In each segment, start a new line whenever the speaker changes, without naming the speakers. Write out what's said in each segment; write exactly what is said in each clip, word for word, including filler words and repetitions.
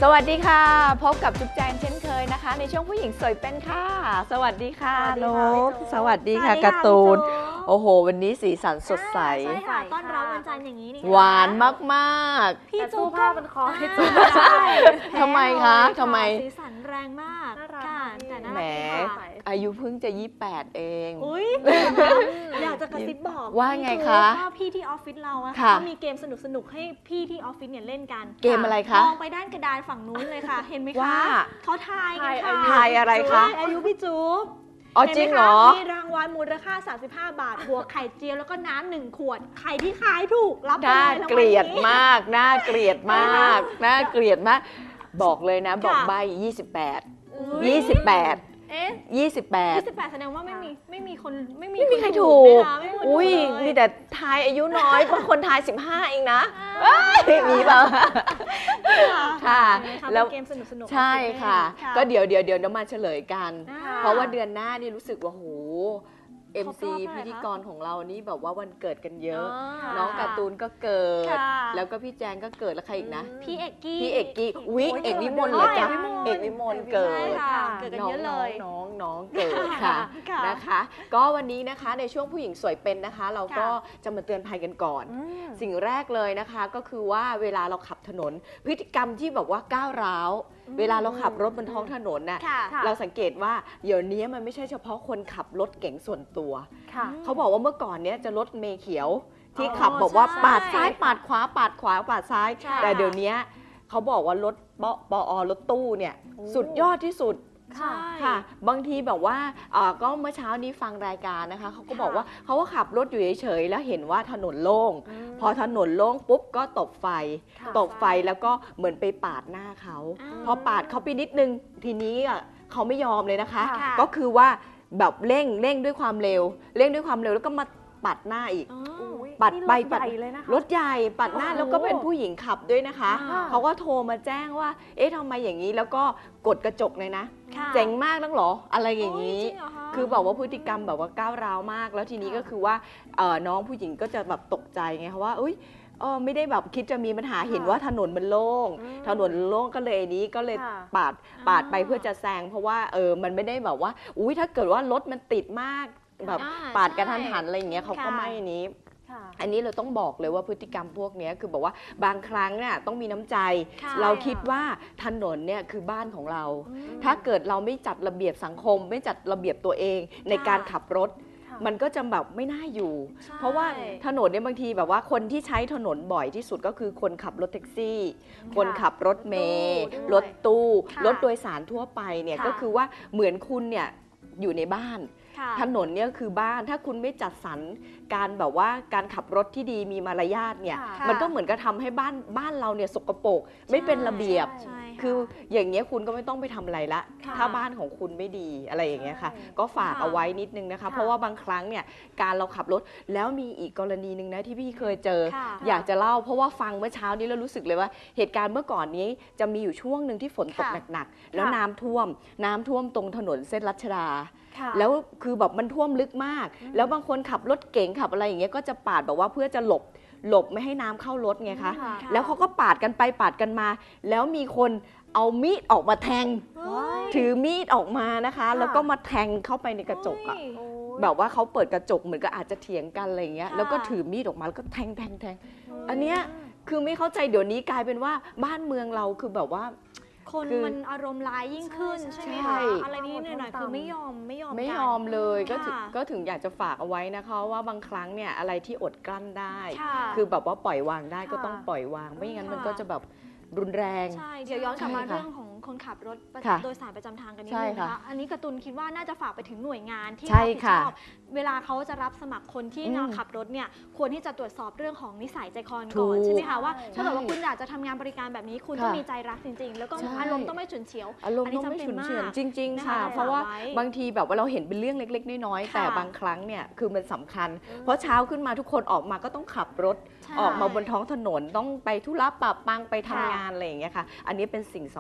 สวัสดีค่ะพบกับจุ๊บแจงเช่นเคยนะคะในช่วงผู้หญิงสวยเป็นค่ะสวัสดีค่ะนกสวัสดีค่ะการ์ตูนโอ้โหวันนี้สีสันสดใส
ใช่ค่ะต้อนรับวันจันทร์อย่างนี้นี่
หวานมาก
ๆพี่จูผ้าเป็นคอให้จู
ทำไมคะทำไม
สีสันแรงมากค่ะแต่น่ารัก
แหมอายุเพิ่งจะยี่สิบแปดเอง
อุ้ยอยากจะกระซิบบอก
ว่าไงคะ
ว่าพี่ที่ออฟฟิศเราอะเขามีเกมสนุกๆให้พี่ที่ออฟฟิศเนี่ยเล่นกัน
เกมอะไรคะ
มองไปด้านกระดานฝั่งนู้นเลยค่ะเห็นไหมคะเขาทายกันค่ะ
ทายอะไรคะ
อายุพี่จู๊บ
อ๋อจริงเหรอ
มีรางวัลมูลค่าสามสิบห้าบาทบวกไข่เจียวแล้วก็น้ำหนึ่งขวดไข่ที่ขายถูกรับไปเลย
น่าเกลียดมากน่าเกลียดมากน่าเกลียดมากบอกเลยนะบอกใบยี่สิบแปด ยี่สิบแปด
เอ๊ะ
ยี่สิบแปด
ยี่สิบแปดแสดงว่าไม่มีไม่มีคนไม่มี
ไม่มีใครถูกอุ้ยมีแต่ทายอายุน้อยบางคนทายสิบห้าเองนะมีเปล่าค่ะ
แล้วเกมสนุก
ๆใช่ค่ะก็เดี๋ยวเดี๋ยวเดี๋ยวเรามาเฉลยกันเพราะว่าเดือนหน้านี่รู้สึกว่าโหเอ็ม ซี พิธีกรของเรานี่แบบว่าวันเกิดกันเยอะน้องการ์ตูนก็เกิดแล้วก็พี่แจงก็เกิดแล้วใครอีกนะ
พี่เอกกี้
พี่เอกกี้วิเอกวิมลเหรอจ๊ะเอกวิมลเกิด
เกิดกันเยอะเลย
น้องน้องเกิดค่ะนะคะก็วันนี้นะคะในช่วงผู้หญิงสวยเป็นนะคะเราก็จะมาเตือนภัยกันก่อนสิ่งแรกเลยนะคะก็คือว่าเวลาเราขับถนนพฤติกรรมที่แบบว่าก้าวร้าวเวลาเราขับรถบนท้องถนนน่ะเราสังเกตว่าเดี๋ยวนี้มันไม่ใช่เฉพาะคนขับรถเก๋งส่วนตัวเขาบอกว่าเมื่อก่อนเนี้ยจะรถเมล์เขียวที่ขับบอกว่าปาดซ้ายปาดขวาปาดขวาปาดซ้ายแต่เดี๋ยวนี้เขาบอกว่ารถปปอรถตู้เนี่ยสุดยอดที่สุดค่ะบางทีแบบว่าก็เมื่อเช้านี้ฟังรายการนะคะเขาก็บอกว่าเขาก็ขับรถอยู่เฉยๆแล้วเห็นว่าถนนโล่งพอถนนโล่งปุ๊บก็ตบไฟตบไฟแล้วก็เหมือนไปปาดหน้าเขาพอปาดเขาไปนิดนึงทีนี้เขาไม่ยอมเลยนะคะก็คือว่าแบบเร่งเร่งด้วยความเร็วเร่งด้วยความเร็วแล้วก็มาปัดหน้าอีกปัดไปปัดรถใหญ่ปัดหน้าแล้วก็เป็นผู้หญิงขับด้วยนะคะเขาก็โทรมาแจ้งว่าเอ๊ะทำไมอย่างนี้แล้วก็กดกระจกเลยนะเจ๋งมากนักหรออะไรอย่างนี้คือบอกว่าพฤติกรรมแบบว่าก้าวร้าวมากแล้วทีนี้ก็คือว่าน้องผู้หญิงก็จะแบบตกใจไงคะว่าอุ้ยเออไม่ได้แบบคิดจะมีปัญหาเห็นว่าถนนมันโล่งถนนโล่งก็เลยนี้ก็เลยปาดปาดไปเพื่อจะแซงเพราะว่าเออมันไม่ได้แบบว่าอุ้ยถ้าเกิดว่ารถมันติดมากแบบปาดกระทันหันอะไรอย่างเงี้ยเขาก็ไม่นี้อันนี้เราต้องบอกเลยว่าพฤติกรรมพวกนี้คือบอกว่าบางครั้งเนี่ยต้องมีน้ำใจเราคิดว่าถนนเนี่ยคือบ้านของเราถ้าเกิดเราไม่จัดระเบียบสังคมไม่จัดระเบียบตัวเองในการขับรถมันก็จะแบบไม่น่าอยู่เพราะว่าถนนเนี่ยบางทีแบบว่าคนที่ใช้ถนนบ่อยที่สุดก็คือคนขับรถแท็กซี่คนขับรถเมล์รถตู้รถโดยสารทั่วไปเนี่ยก็คือว่าเหมือนคุณเนี่ยอยู่ในบ้านถนนเนี่ยคือบ้านถ้าคุณไม่จัดสรรการแบบว่าการขับรถที่ดีมีมารยาทเนี่ยมันก็เหมือนกับทำให้บ้านบ้านเราเนี่ยสกปรกไม่เป็นระเบียบคืออย่างเงี้ยคุณก็ไม่ต้องไปทำอะไรละถ้าบ้านของคุณไม่ดีอะไรอย่างเงี้ยค่ะก็ฝากเอาไว้นิดนึงนะคะเพราะว่าบางครั้งเนี่ยการเราขับรถแล้วมีอีกกรณีนึงนะที่พี่เคยเจออยากจะเล่าเพราะว่าฟังเมื่อเช้านี้แล้วรู้สึกเลยว่าเหตุการณ์เมื่อก่อนนี้จะมีอยู่ช่วงหนึ่งที่ฝนตกหนักๆแล้วน้ำท่วมน้ำท่วมตรงถนนเส้นรัชดาแล้วคือแบบมันท่วมลึกมากแล้วบางคนขับรถเก๋งขับอะไรอย่างเงี้ยก็จะปาดแบบว่าเพื่อจะหลบหลบไม่ให้น้ำเข้ารถไงคะแล้วเขาก็ปาดกันไปปาดกันมาแล้วมีคนเอามีดออกมาแทงถือมีดออกมานะคะแล้วก็มาแทงเข้าไปในกระจกอะแบบว่าเขาเปิดกระจกเหมือนก็อาจจะเถียงกันอะไรอย่างเงี้ยแล้วก็ถือมีดออกมาแล้วก็แทงแทงแทงอันเนี้ยคือไม่เข้าใจเดี๋ยวนี้กลายเป็นว่าบ้านเมืองเราคือแบบว่า
คนมันอารมณ์ร้ายยิ่งขึ้นใช่ไหมคะอะไรนี้หน่อยๆคือไม่ยอมไม่ยอม
ไม่ยอมเลยก็ก็ถึงอยากจะฝากเอาไว้นะคะว่าบางครั้งเนี่ยอะไรที่อดกลั้นได้คือแบบว่าปล่อยวางได้ก็ต้องปล่อยวางไม่งั้นมันก็จะแบบรุนแรง
ใช่เดี๋ยวย้อนกลับมาเรื่องของคนขับรถโดยสารประจำทางกันนิดนึงนะคะอันนี้การ์ตูนคิดว่าน่าจะฝากไปถึงหน่วยงานที่รับผิดชอบเวลาเขาจะรับสมัครคนที่มาขับรถเนี่ยควรที่จะตรวจสอบเรื่องของนิสัยใจคอก่อนใช่ไหมคะว่าถ้าเกิดว่าคุณอยากจะทำงานบริการแบบนี้คุณต้องมีใจรักจริงๆแล้วก็อารมณ์ต้องไม่ฉุนเฉียว
อารมณ์ต้องไม่ฉุนเฉียวจริงๆค่ะเพราะว่าบางทีแบบว่าเราเห็นเป็นเรื่องเล็กๆน้อยๆแต่บางครั้งเนี่ยคือมันสำคัญเพราะเช้าขึ้นมาทุกคนออกมาก็ต้องขับรถออกมาบนท้องถนนต้องไปธุระปะปังไปทำงานอะไรอย่างเงี้ยค่ะอันนี้เป็นสิ่งสำคัญ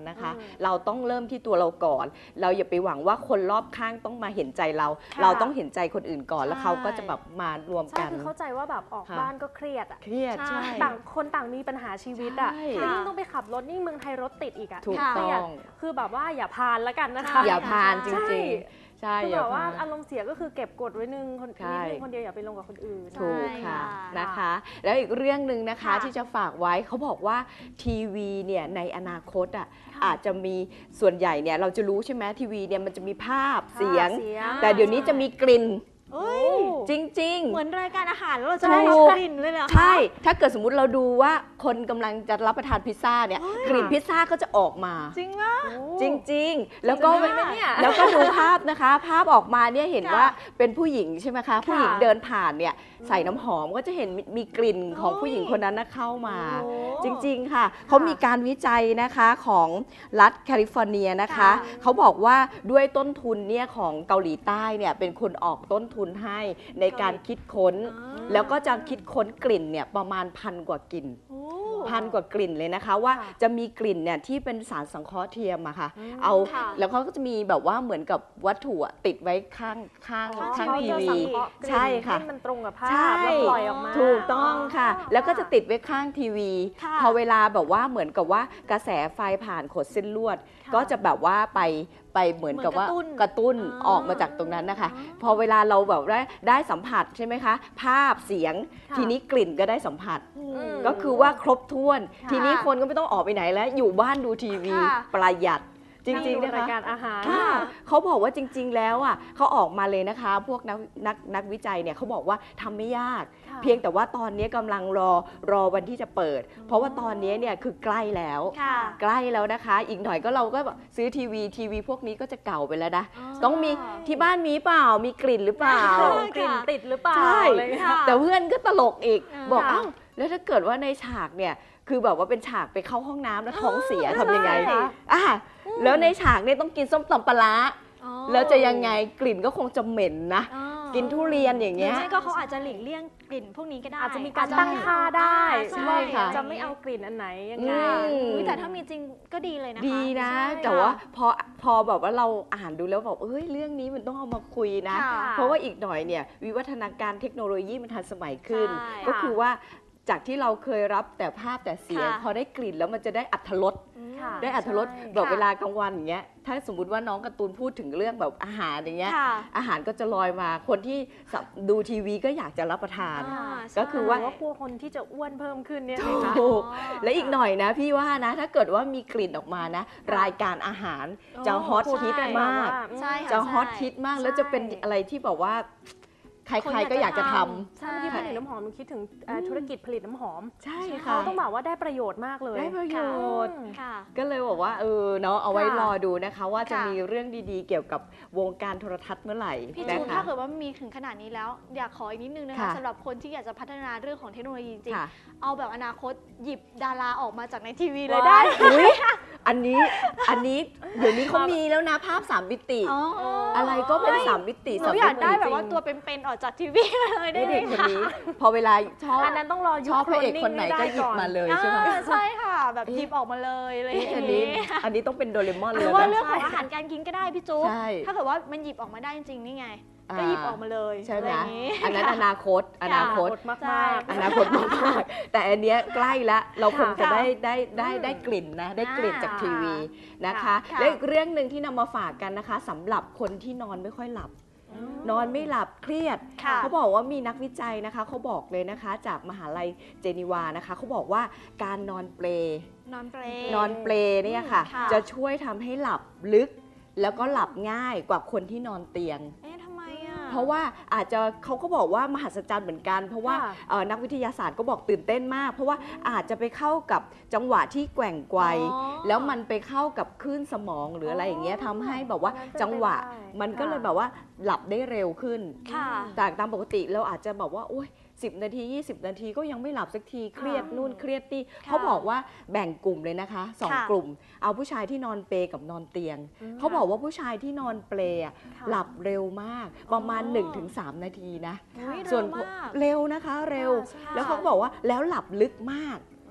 นะคะ เราต้องเริ่มที่ตัวเราก่อนเราอย่าไปหวังว่าคนรอบข้างต้องมาเห็นใจเราเราต้องเห็นใจคนอื่นก่อนแล้วเขาก็จะแบบมารวมกัน
ใช่คือเข้าใจว่าแบบออกบ้านก็เครียดอ่ะ
เครียดใช่
ต่างคนต่างมีปัญหาชีวิตอ่ะแล้วยิ่งต้องไปขับรถนี่เมืองไทยรถติดอีกอ่ะ
ถูกต้อง
คือแบบว่าอย่าพานแล้วกันนะคะ
อย่าพานจริงๆใช่
คือแบบว่าอารมณ์เสียก็คือเก็บกดไว้นึงคนนิดนึงคนเดียวอย่าไปลงกับคนอื่น
ถูกค่ะนะคะแล้วอีกเรื่องหนึ่งนะคะที่จะฝากไว้เขาบอกว่าทีวีเนี่ยในอนาคตอ่ะอาจจะมีส่วนใหญ่เนี่ยเราจะรู้ใช่ไหมทีวีเนี่ยมันจะมีภาพเสียงแต่เดี๋ยวนี้จะมีกลิ่นจริงๆ
เหมือนรายการอาหารแล้วเราจะได้กลิ่นเลยเหรอคะ
ใช่ถ้าเกิดสมมุติเราดูว่าคนกำลังจะรับประทานพิซซ่าเนี่ยกลิ่นพิซซ่าก็จะออกมา
จริงวะ
จริงๆแล้วก็แล้วก็ดูภาพนะคะภาพออกมาเนี่ยเห็นว่าเป็นผู้หญิงใช่ไหมคะผู้หญิงเดินผ่านเนี่ยใส่น้ำหอมก็จะเห็นมีกลิ่นของผู้หญิงคนนั้นนะเข้ามาจริงๆค่ะเขามีการวิจัยนะคะของรัฐแคลิฟอร์เนียนะคะเขาบอกว่าด้วยต้นทุนเนี่ยของเกาหลีใต้เนี่ยเป็นคนออกต้นทุนให้ในการคิดค้นแล้วก็จะคิดค้นกลิ่นเนี่ยประมาณพันกว่ากลิ่นพันกว่ากลิ่นเลยนะคะว่าจะมีกลิ่นเนี่ยที่เป็นสารสังเคราะห์เทียมอะค่ะเอาแล้วเขาก็จะมีแบบว่าเหมือนกับวัตถุติดไว้ข้างข้างข้างทีวีใช่ค่ะ
มันตรงกับภาพแล้วปล่อยออกมา
ถูกต้องค่ะแล้วก็จะติดไว้ข้างทีวีพอเวลาแบบว่าเหมือนกับว่ากระแสไฟผ่านขดเส้นลวดก็จะแบบว่าไปไปเหมือนกับว่ากระตุ้นออกมาจากตรงนั้นนะคะพอเวลาเราแบบได้ได้สัมผัสใช่ไหมคะภาพเสียงทีนี้กลิ่นก็ได้สัมผัสก็คือว่าครบถ้วนทีนี้คนก็ไม่ต้องออกไปไหนแล้วอยู่บ้านดูทีวีประหยัดจริงๆนะคะ
รายการอาหาร
เขาบอกว่าจริงๆแล้วอ่ะเขาออกมาเลยนะคะพวกนักนักนักวิจัยเนี่ยเขาบอกว่าทำไม่ยากเพียงแต่ว่าตอนนี้กำลังรอรอวันที่จะเปิดเพราะว่าตอนนี้เนี่ยคือใกล้แล้วใกล้แล้วนะคะอีกหน่อยก็เราก็ซื้อทีวีทีวีพวกนี้ก็จะเก่าไปแล้วนะต้องมีที่บ้านมีเปล่ามีกลิ่นหรือเปล่าก
ลิ่นติดหรือเปล่า
ใช่แต่เพื่อนก็ตลกอีกบอกอ้าวแล้วถ้าเกิดว่าในฉากเนี่ยคือแบบว่าเป็นฉากไปเข้าห้องน้ำแล้วท้องเสียทำยังไงอ่ะแล้วในฉากเนี่ยต้องกินส้มตำปลาแล้วจะยังไงกลิ่นก็คงจะเหม็นนะกินทุเรียนอย่างเงี้ย
ใช่ก็เขาอาจจะหลีกเลี่ยงกลิ่นพวกนี้ก็ได้
อาจจะมีการตั้งค่าได้
ใช่ค่ะ
จะไม่เอากลิ่นอันไหนยังไง
แต่ถ้ามีจริงก็ดีเลยนะคะ
ดีนะแต่ว่าพอพอแบบว่าเราอ่านดูแล้วแบบเอ้ยเรื่องนี้มันต้องเอามาคุยนะเพราะว่าอีกหน่อยเนี่ยวิวัฒนาการเทคโนโลยีมันทันสมัยขึ้นก็คือว่าจากที่เราเคยรับแต่ภาพแต่เสียงพอได้กลิ่นแล้วมันจะได้อรรถรสได้อรรถรสแบบเวลากลางวันอย่างเงี้ยถ้าสมมุติว่าน้องการ์ตูนพูดถึงเรื่องแบบอาหารอย่างเงี้ยอาหารก็จะลอยมาคนที่ดูทีวีก็อยากจะรับประทานก็คือว่า
พวกคนที่จะอ้วนเพิ่มขึ้นเนี่ย
ถูกและอีกหน่อยนะพี่ว่านะถ้าเกิดว่ามีกลิ่นออกมานะรายการอาหารจะฮอตฮิตมากจะฮอตฮิตมากแล้วจะเป็นอะไรที่แบบว่าใครๆก็อยากจะทำ
ใช่ที่ผลิตน้ำหอมมันคิดถึงธุรกิจผลิตน้ำหอม
ใช่ค่ะ
ต้องบอกว่าได้ประโยชน์มากเลย
ได้ประโยชน์ก็เลยบอกว่าเออเนาะเอาไว้รอดูนะคะว่าจะมีเรื่องดีๆเกี่ยวกับวงการโทรทัศน์เมื่อไหร่
พี่จูนถ้าเกิดว่ามีถึงขนาดนี้แล้วอยากขออีกนิดนึงนะคะสำหรับคนที่อยากจะพัฒนาเรื่องของเทคโนโลยีจริงเอาแบบอนาคตหยิบดาราออกมาจากในทีวีเลยได้
อันนี้อันนี้เดี๋ยวนี้เขามีแล้วนะภาพสามมิติอะไรก็เป็นสามมิติ
หนูอยากได้แบบว่าตัวเป็นๆออกจากทีวีเลยได้
เด็กคนนี้พอเวลาชอบ
อันนั้นต้องรอ
ชอบพระเอกคนไหนก็หยิบมาเลยใช่ไหม
ใช่ค่ะแบบหยิบออกมาเลยอะไรอย่างนี้
อันนี้ต้องเป็นโดเรมอนเลย
หรือว่าเรื่องของอาหารการกินก็ได้พี่จุ๊บถ้าเกิดว่ามันหยิบออกมาได้จริงๆนี่ไงก็หยิบออกมาเลย
ใช่ไหมอันนั้นอนาคตอนาคต
มาก
อนาคตมากแต่อันเนี้ยใกล้ละเราคงจะได้ได้ได้ได้กลิ่นนะได้กลิ่นจากทีวีนะคะและอีกเรื่องหนึ่งที่นำมาฝากกันนะคะสำหรับคนที่นอนไม่ค่อยหลับนอนไม่หลับเครียดเขาบอกว่ามีนักวิจัยนะคะเขาบอกเลยนะคะจากมหาลัยเจนีวานะคะเขาบอกว่าการนอนเปล
นอนเปล
นอนเปลเนี่ยค่ะจะช่วยทำให้หลับลึกแล้วก็หลับง่ายกว่าคนที่นอนเตียงเพราะว่าอาจจะเขาก็บอกว่ามหัศจรรย์เหมือนกันเพราะว่านักวิทยาศาสตร์ก็บอกตื่นเต้นมากเพราะว่าอาจจะไปเข้ากับจังหวะที่แกว่งไกวแล้วมันไปเข้ากับคลื่นสมองหรืออะไรอย่างเงี้ยทำให้แบบว่าจังหวะมันก็เลยแบบว่าหลับได้เร็วขึ้นจากตามปกติเราอาจจะบอกว่าโอ๊ยสิบนาทียี่สิบนาทีก็ยังไม่หลับสักทีเครียดนู่นเครียดนี่เขาบอกว่าแบ่งกลุ่มเลยนะคะสองกลุ่มเอาผู้ชายที่นอนเปลกับนอนเตียงเขาบอกว่าผู้ชายที่นอนเปลหลับเร็วมากประมาณ หนึ่งถึงสาม นาทีนะส่วนเร็วนะคะเร็วแล้วเขาบอกว่าแล้วหลับลึกมาก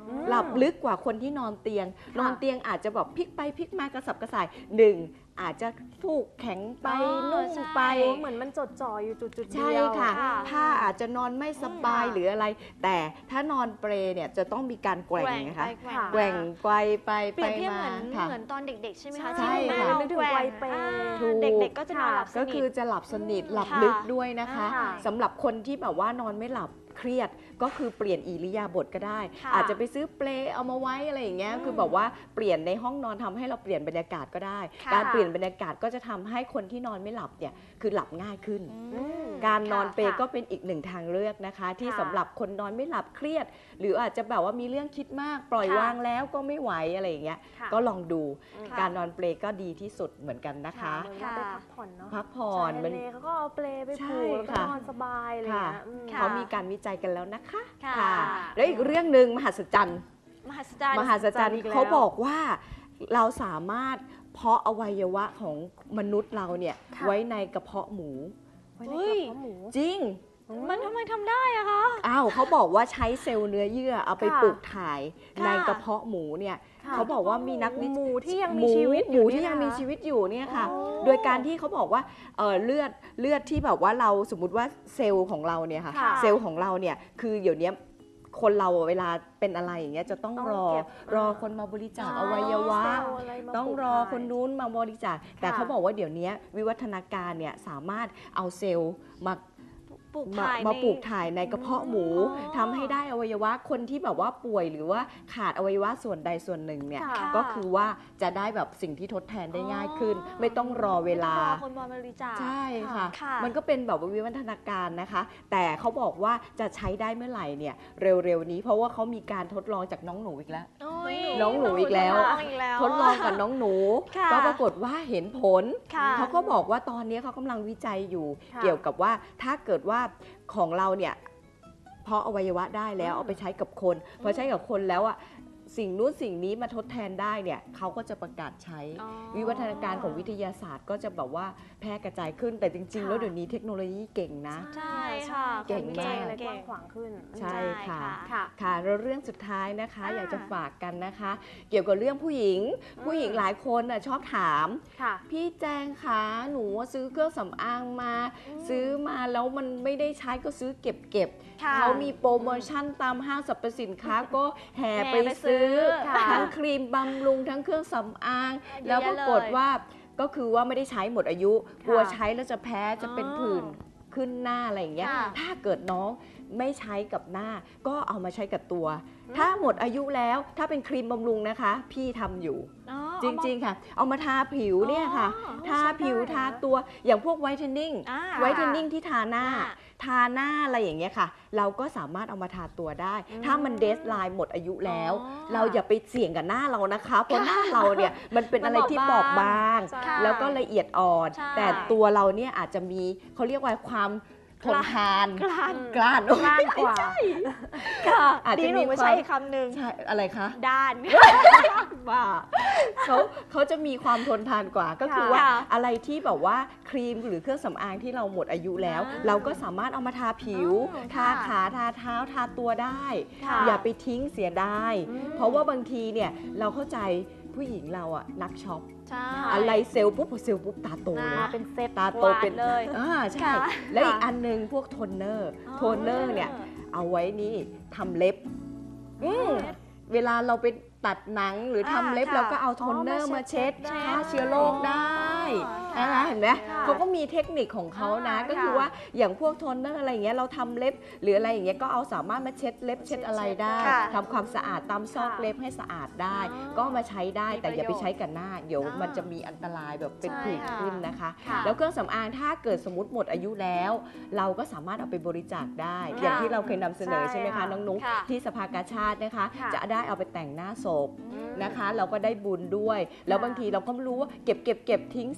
หลับลึกกว่าคนที่นอนเตียง นอนเตียงอาจจะแบบพลิกไปพลิกมากระสับกระส่ายหนึ่งอาจจะฟูกแข็งไปนุ่มไป
เหมือนมันจดจ่ออยู่จุดจุดเดี
ใช่
ยว
ค่ะผ้าอาจจะนอนไม่สบายหรืออะไร แต่ถ้านอนเปลเนี่ยจะต้องมีการแกว่งนะคะแกว่งไกวไป
เปรียบเทียบ
มา
เหมือน
ค่ะ
เหมือนตอนเด็กๆใช่ไหมคะ
ใช่
ที่
ค่ะ
เรา
นึกถึง
แกว่
วั
ง
ยเปรย์
อ่า
ถูก
เด็กๆก็จะนอนหลับส
ก็
นิ
คือ
ท
จะหลับสนิทหลับ
ค่ะ
ลึกด้วยนะคะ
ค่ะ
สำหรับคนที่แบบว่านอนไม่หลับเครียดก็คือเปลี่ยนอิริยาบถก็ได้
ค่ะ
อาจจะไปซื้อเปลเอามาไว้อะไรอย่างเงี้ยคือแบบว่าเปลี่ยนในห้องนอนทำให้เราเปลี่ยนบรรยากาศก็ได้
ค่ะ
การเปลี่ยนบรรยากาศก็จะทำให้คนที่นอนไม่หลับเนี่ยคือหลับง่ายขึ้น
อืม
การนอนเปล
ค่ะ
ก็เป็นอีกหนึ่งทางเลือกนะคะ ที่
ค่ะ
สำหรับคนนอนไม่หลับเครียด หรืออาจจะแบบว่ามีเรื่องคิดมากปล่อย
ค่ะ
วางแล้วก็ไม่ไหวอะไรอย่างเงี้ย
ค่ะ
ก็ลองดู
ค่ะ
การนอนเปลก็ดีที่สุดเหมือนกันนะคะ
เหมือนเราไปพักผ่อนเนาะ
พักผ่อน
ใช่
มัน
ทะเลเขาก็เอาเปลไป
ใช่
ผูกแล้วก็
ค่ะ
นอนสบายอะไรอย่างเงี้ยอืม
ค่ะ
เขามีการวิจัยกันแล้วนะคะ
ค่ะ
แล้วอีกเรื่องหนึ่งมหัศจรรย์
มหัศจรรย์
มหัศจรรย์
อีกแล้ว
เขาบอกว่าเราสามารถเพาะอวัยวะของมนุษย์เราเนี่ย
ค่ะ
ไว้ในกระเพาะหมู
ไว้ในกระเพาะหมู
จริง
มันทำไมทำได้อะคะ
อ้าวเขาบอกว่าใช้เซลล์เนื้อเยื่อเอาไป
ค่ะ
ปลูกถ่าย
ค่ะ
ในกระเพาะหมูเนี่ย
ค่ะ
เขาบอกว่ามีนักวิ
หมูที่ยัง
ห
มีชีวิต
หมู
อยู่
ที่
เนี่
ยังมี
นะคะ
ชีวิตอยู่เนี่ยค่ะ
โอ้
โดยการที่เขาบอกว่าเอ่อเลือดเลือดที่แบบว่าเราสมมติว่าเซลล์ของเราเนี่ยค่ะ
ค่ะ
เซลล์ของเราเนี่ยคือเดี๋ยวนี้คนเราเวลาเป็นอะไรอย่างเงี้ยจะต้อง
ต้อง
รอ
เก็บ
รอคนมาบริจาค
อ๋
อ
อ
วัยวะ
เซลล์อะไรมา
ต้อง
ปลูก
รอ
ถ่าย
คนนู้นมาบริจาคแต่
ค่ะ
เขาบอกว่าเดี๋ยวนี้วิวัฒนาการเนี่ยสามารถเอาเซลล์มา
ปลูก
มา
ถ่าย
มา
ใน
ปลูกถ่ายในกระเพาะหมู
อ๋อ
ทำให้ได้อวัยวะคนที่แบบว่าป่วยหรือว่าขาดอวัยวะส่วนใดส่วนหนึ่งเนี่ย
ค่ะ
ก็คือว่าจะได้แบบสิ่งที่ทดแทนได้ง่ายขึ้น ไม่ต้องรอเวลา
ไม่ต้องรอคนมาบริจาค
ใช่ค่ะ
ค่ะ
มันก็เป็นแบบว่าวิวัฒนาการนะคะ แต่เขาบอกว่าจะใช้ได้เมื่อไหร่เนี่ยเร็วๆนี้เพราะว่าเขามีการทดลองจากน้องหนูอีกแล้ว
โอ้ย
น้องหนูอีกแล้ว
น้องอีกแล้ว
ทดลองกับน้องหนู
ค่ะ
ก็ปรากฏว่าเห็นผล
ค่ะ
เขาก็บอกว่าตอนนี้เขากำลังวิจัยอยู่
ค่ะ
เกี่ยวกับว่าถ้าเกิดว่าของเราเนี่ยเพาะอวัยวะได้แล้ว
อืม
เอาไปใช้กับคนพอใช้กับคนแล้วอ่ะสิ่งนู้นสิ่งนี้มาทดแทนได้เนี่ยเขาก็จะประกาศใช้
อ๋อ
วิวัฒนาการของวิทยาศาสตร์ก็จะแบบว่าแพร่กระจายขึ้นแต่จริง ๆ แล้ว
ค่ะ
เดี๋ยวนี้เทคโนโลยีเก่งนะ
ใช่ค่ะ
เก่งมาก
อะไรกว้างขวางขึ้น
ใช่ค่ะ
ค่ะ
ค่ะแล้วเรื่องสุดท้ายนะคะ
อ่า
อยากจะฝากกันนะคะ เกี่ยวกับเรื่องผู้หญิง
อืม
ผู้หญิงหลายคนน่ะชอบถาม
ค่ะ
พี่แจงคะหนูซื้อเครื่องสำอางมา ซื้อมาแล้วมันไม่ได้ใช้ก็ซื้อเก็บเก็บ
ค่ะ
เขามีโปรโมชั่นตามห้างสรรพสินค้าก็แห่
แห่
ไป
ไปซื้
ซื้อ
อค่ะ
ทั้งครีมบำรุงทั้งเครื่องสำอาง
เยอะ
แล้ว
แยะ
ปรากฏ
เลย
ว่าก็คือว่าไม่ได้ใช้หมดอายุ
ค่ะ
กลัวใช้แล้วจะแพ้จะเป็น
อ๋อ
ผื่นขึ้นหน้าอะไรอย่างเงี้ย
ค่ะ
ถ้าเกิดน้องไม่ใช้กับหน้า ก็เอามาใช้กับตัว ถ้าหมดอายุแล้วถ้าเป็นครีมบำรุงนะคะ พี่ทำอยู่
อ๋อ
จริงๆค่ะ เอามาทาผิวเนี่ยค่ะ
อ๋อ
ทาผิว
ใช้ได้
ทาตัวอย่างพวกไวท์เทนนิ่ง
อ่า
ไวท์เทนนิ่งที่ทาหน้า
ค่ะ
ทาหน้าอะไรอย่างเงี้ยค่ะ เราก็สามารถเอามาทาตัวได้
อืม
ถ้ามันเดสไลน์หมดอายุแล้ว
อ๋อ
เราอย่าไปเสี่ยงกับหน้าเรานะคะ เพราะหน้าเราเนี่ยมันเป็นอะไรที่บอบบาง
ใช่
แล้วก็ละเอียดอ่อน
ใช่
แต่ตัวเราเนี่ยอาจจะมีเขาเรียกว่าความทนทาน
กล้าน
กล้าน
กล้านกว่า
ค่ะ
อาจจะ
ดีหนู
มี
ไม่
ความ
ใช่อีกคำหนึ่ง
ใช่อะไรคะ
ด้าน
ว่าเขาเขาจะมีความทนทานกว่า ก็คือ
ค่ะ
ว่าอะไรที่แบบว่าครีมหรือเครื่องสำอางที่เราหมดอายุแล้ว
อ่า
เราก็สามารถเอามาทาผิว
อ๋อ
ทา
ค่ะ
ขาทาเท้าทาตัวได้
ค่ะ
อย่าไปทิ้งเสียดาย
อืม
เพราะว่าบางทีเนี่ยเราเข้าใจผู้หญิงเราอะนักช็อป
ใช่
อะไรเซลล์ปุ๊บพอเซลล์ปุ๊บตาโตเลย
นะ
มาเป็นเซต
ตาโตเป็น
วาดเลย
อ่าใช่
ค่ะ
และอีก
ค่ะ
อันหนึงพวกโทนเนอร์
อ๋อ
โทนเนอร์เนี่ยเอาไว้นี่ทำเล็บอืมเวลาเราไปตัดหนังหรือทำ
อ่า
เล็บ
ค่ะ
เราก็เอาโทนเนอร์
อ๋อ
มา
มาเช็
เช็
ด
ด
ได้
ฆ่าเชื้อโรคได้
อ๋อ
นะคะเห็นไหม
ค่ะ
เขาก็มีเทคนิคของเขานะ
อ่า
ก็คือ
ค่ะ
ว่าอย่างพวกโทนเนอร์อะไรอย่างเงี้ยเราทำเล็บหรืออะไรอย่างเงี้ยก็เอาสามารถมาเช็ดเล็บเช็ดอะไรได้
ค่ะ
ทำความสะอาดตามซอก
ค่ะ
เล็บให้สะอาดได้
อ๋อ
ก็เอามาใช้ได้
มี
แต่อย่าไป
ประโยชน์
ใช้กับหน้าเดี๋ยว
อ่ามั
มันจะมีอันตรายแบบเป็น
ใช่
ผื่น
ค่ะ
ขึ้นนะคะ
ค่ะ
แล้วเครื่องสำอางถ้าเกิดสมมติหมดอายุแล้ว เราก็สามารถเอาไปบริจาคได้
ค่ะ
อย่างที่เราเคยนำเสนอ
ใช่
ใช่ไหมคะ
ค่ะ
น้องนุ๊ก
ค่ะ
ที่สภากาชาตินะคะ
ค่ะ
จะได้เอาไปแต่งหน้าศพ
อืม
นะคะ เราก็ได้บุญด้วย แล้วบางทีเราก็ไม่รู้ว่าเก็บเก็บเก็บทิ้งเสียดาย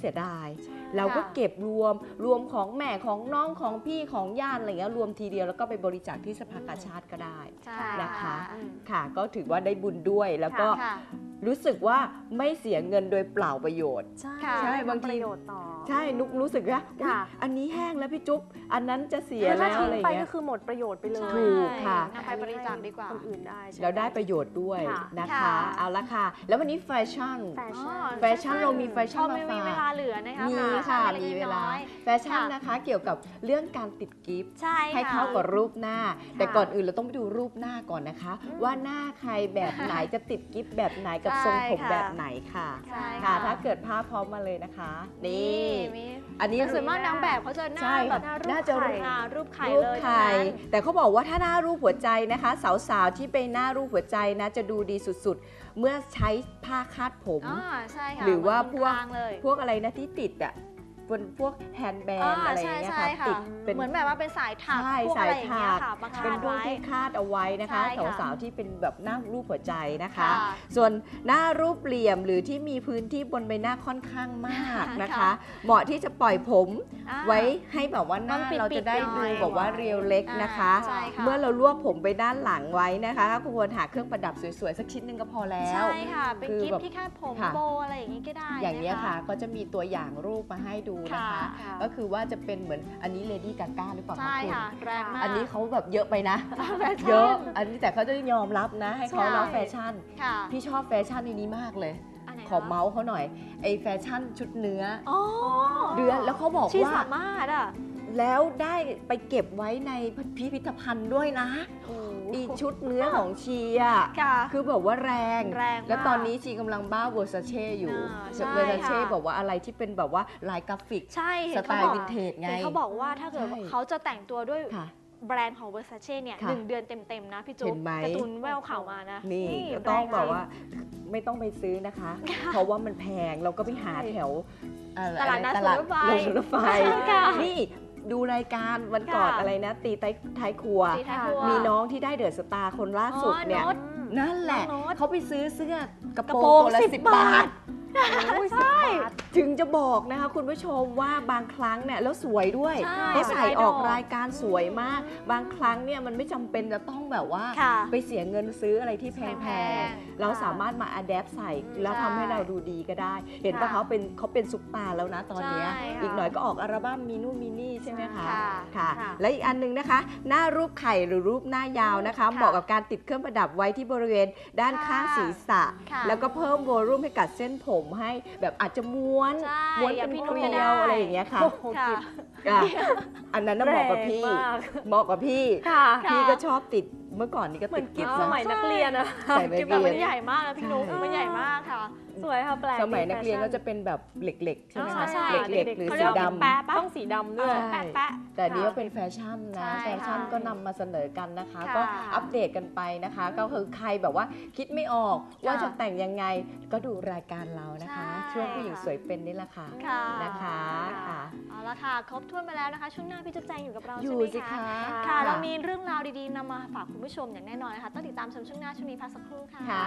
เราก็เก็บรวมรวมของแม่ของน้องของพี่ของญาติอะไรเงี้ยรวมทีเดียวแล้วก็ไปบริจาคที่สภากาชาดก็ได้นะคะค่ะก็ถือว่าได้บุญด้วยแล้วก็รู้สึกว่าไม่เสียเงินโดยเปล่าประโยชน์ใช่บางทีใช่นุกรู้สึกว่าอันนี้แห้งแล้วพี่จุ๊บอันนั้นจะเสียแล้วอะไรเงี้ย
ไปก็คือหมดประโยชน์ไปเลย
ถูกค่ะ
นำไปบริจาคดีกว่า
คนอื่นได้
แล้วได้ประโยชน์ด้วยนะคะเอาละค่ะแล้ววันนี้แฟชั่นแฟชั่นเรามีแฟชั่นมาฝาก
มีเวลาเหลือนะคะ
มีค่ะมีเวลาแฟชั่นนะคะเกี่ยวกับเรื่องการติดกิฟต์ให้เข้ากับรูปหน้าแต่ก่อนอื่นเราต้องไปดูรูปหน้าก่อนนะคะว่าหน้าใครแบบไหนจะติดกิฟต์แบบไหนกับทรงผมแบบไหนค่ะค่ะถ้าเกิดภาพพร้อมมาเลยนะคะนี่อันนี้
ส่วนมากนางแบบเขาจะหน้าแบบ
น่าจะ
รูปไข่เลย
แต่เขาบอกว่าถ้าหน้ารูปหัวใจนะคะสาวๆที่ไปหน้ารูปหัวใจนะจะดูดีสุดๆเมื่อใช้ผ้าคาดผมหรือว่าพวกพวกอะไรนะที่ติดอ่ะบนพวกแฮนด์แบนอะไรอย่างเงี้ยค่ะติด
เป็นเหมือนแบบว่าเป็นสายถักพวกอะไรอย่างเงี้ยค่ะ
เป็นพวกที่คาดเอาไว้นะคะสาวๆที่เป็นแบบหน้ารูปหัวใจนะคะส่วนหน้ารูปเหลี่ยมหรือที่มีพื้นที่บนใบหน้าค่อนข้างมากนะคะเหมาะที่จะปล่อยผมไว้ให้แบบว่าหน้าเราจะได้ดูแบบว่าเรียวเล็กนะคะเมื่อเรารวบผมไปด้านหลังไว้นะคะคุณควรหาเครื่องประดับสวยๆสักชิ้นนึงก็พอแล้ว
ใช่ค่ะเป็นกิฟต์ที่คาดผมโบอะไรอย่างงี้ก็ได้
อย่างนี้ค่ะก็จะมีตัวอย่างรูปมาให้ดูนะคะก็คือว่าจะเป็นเหมือนอันนี้เลดี้กาก้าหรือเปล่าคะคุณ
ใช่ค่ะแรงมาก
อันนี้เขาแบบเยอะไปนะเยอะอันนี้แต่เขาจะยอมรับนะให้เขาเนาะแฟชั่นพี่ชอบแฟชั่นในนี้มากเลยขอเมาส์เขาหน่อยไอแฟชั่นชุดเนื้อเดือนแล้วเขาบอกว่า
สามารถอ่ะ
แล้วได้ไปเก็บไว้ในพิพิธภัณฑ์ด้วยนะอีชุดเนื้อของชีอ่ะคือแบบว่าแรงแล้วตอนนี้ชีกำลังบ้าเวอร์ซาเช่อยู่เวอร์ซาเช่บอกว่าอะไรที่เป็นแบบว่าลายกราฟิกสไตล์วินเทจไง
เขาบอกว่าถ้าเกิดเขาจะแต่งตัวด้วยแบรนด์ของ Versace เนี่ยหนึ่งเดือนเต็มๆนะพี่จุ๊บการ์ตูนแววข่าวมานะ
นี่ต้องบอกว่าไม่ต้องไปซื้อนะคะ เพราะว่ามันแพงเราก็ไปหาแถว
ตลาดนัดรถไฟ
รถไฟนี่ดูรายการวันก่อนอะไรนะตีท้ายครัวมีน้องที่ได้เดอะสตาร์คนล่าสุดเนี่ยนั่นแหละเขาไปซื้อเสื้อกระโปรงตัวละสิบบาทใช่ถึงจะบอกนะคะคุณผู้ชมว่าบางครั้งเนี่ยแล้วสวยด้วยเขาใส่ออกรายการสวยมากบางครั้งเนี่ยมันไม่จำเป็นจะต้องแบบว่าไปเสียเงินซื้ออะไรที่แพงๆเราสามารถมาอัดแอปใส่แล้วทำให้เราดูดีก็ได้เห็นป่ะเขาเป็นเขาเป็นซุปตาร์แล้วนะตอนนี้อีกหน่อยก็ออกอัลบั้มมินูมินี่ใช่ไหมคะค่ะและอีกอันนึงนะคะหน้ารูปไข่หรือรูปหน้ายาวนะคะเหมาะกับการติดเครื่องประดับไว้ที่บริเวณด้านข้างศีรษะแล้วก็เพิ่มโวลูมให้กับเส้นผมให้แบบอาจจะม้วนม้วนเป็นเกลียวอะไรอย่างเงี้ยค่ะอันนั้นน่ะเหมาะกับพี่เหมาะกับพี่พี่ก็ชอบติดเมื่อก่อนนี่ก็ติด
กิฟต์สมัยนักเรียนอะ
ใส่
กิฟต์แบบมันใหญ่มากนะพี่นุ๊กมันใหญ่มากค่ะ
สวยค่ะแปลก
สมัยนักเรียนก็จะเป็นแบบเหล็กๆใช่ไหมคะเหล็กๆหรือสีด
ำต้องสีดำด้วย
แต่นี้ก็เป็นแฟชั่นนะแฟชั่นก็นำมาเสนอกันนะคะก็อัปเดตกันไปนะคะก็คือใครแบบว่าคิดไม่ออกว่าจะแต่งยังไงก็ดูรายการเรานะคะช่วงผู้หญิงสวยเป็นนี่แหละค่ะนะคะ
เอาละค่ะครบถ้วนไปแล้วนะคะช่วงหน้าพี่จุ๊บแจงอยู่กับเราใช่
ไหม
คะค่ะเรามีเรื่องราวดีๆนำมาฝากคุณผู้ชมอย่างแน่นอนนะคะต้องติดตามชมช่วงหน้าช่วงนี้พักสักครู่ค่ะ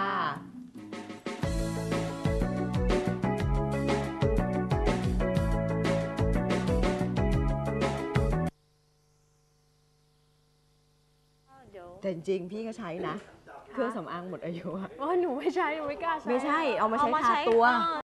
แต่จริงๆพี่ก็ใช้นะเครื่องสำอางหมดอายุอะ
อ๋อหนูไม่ใช้หนูไม่กล้าใช้
ไม่ใช่เอามาใช้ทาตัว